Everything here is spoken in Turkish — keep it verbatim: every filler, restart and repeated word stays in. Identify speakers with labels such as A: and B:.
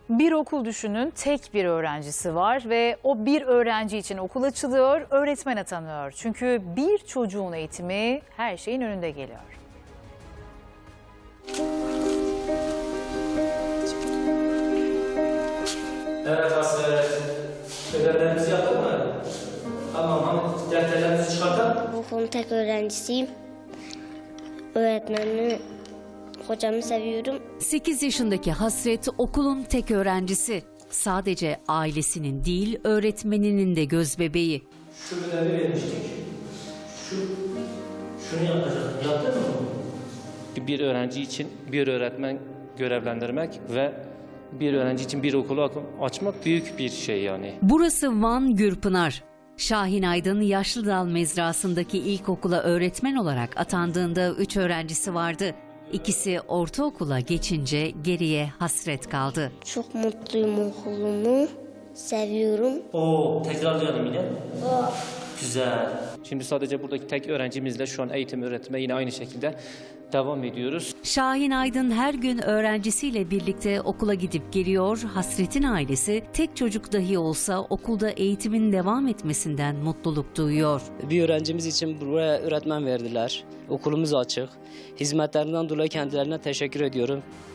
A: Bir okul düşünün, tek bir öğrencisi var ve o bir öğrenci için okul açılıyor, öğretmen atanıyor. Çünkü bir çocuğun eğitimi her şeyin önünde geliyor.
B: Evet Hasret, ödevlerimizi yaptık mı? Tamam, hani defterlerimizi çıkartalım.
C: Bu okulun tek öğrencisiyim. Öğretmenimi, hocamı seviyorum.
D: sekiz yaşındaki Hasret okulun tek öğrencisi. Sadece ailesinin değil, öğretmeninin de gözbebeği.
B: Şu ödevi vermiştik. Şu, şunu yapacak. Yaptın mı? Bir öğrenci için bir öğretmen görevlendirmek ve bir öğrenci için bir okulu açmak büyük bir şey yani.
D: Burası Van Gürpınar. Şahin Aydın Yaşlıdal Mezrası'ndaki ilkokula öğretmen olarak atandığında üç öğrencisi vardı. İkisi ortaokula geçince geriye Hasret kaldı.
C: Çok mutluyum okulumu. Seviyorum.
B: Oo, tekrarlayalım yine. Güzel. Şimdi sadece buradaki tek öğrencimizle şu an eğitim öğretime yine aynı şekilde devam ediyoruz.
D: Şahin Aydın her gün öğrencisiyle birlikte okula gidip geliyor. Hasret'in ailesi tek çocuk dahi olsa okulda eğitimin devam etmesinden mutluluk duyuyor.
E: Bir öğrencimiz için buraya öğretmen verdiler. Okulumuz açık. Hizmetlerinden dolayı kendilerine teşekkür ediyorum.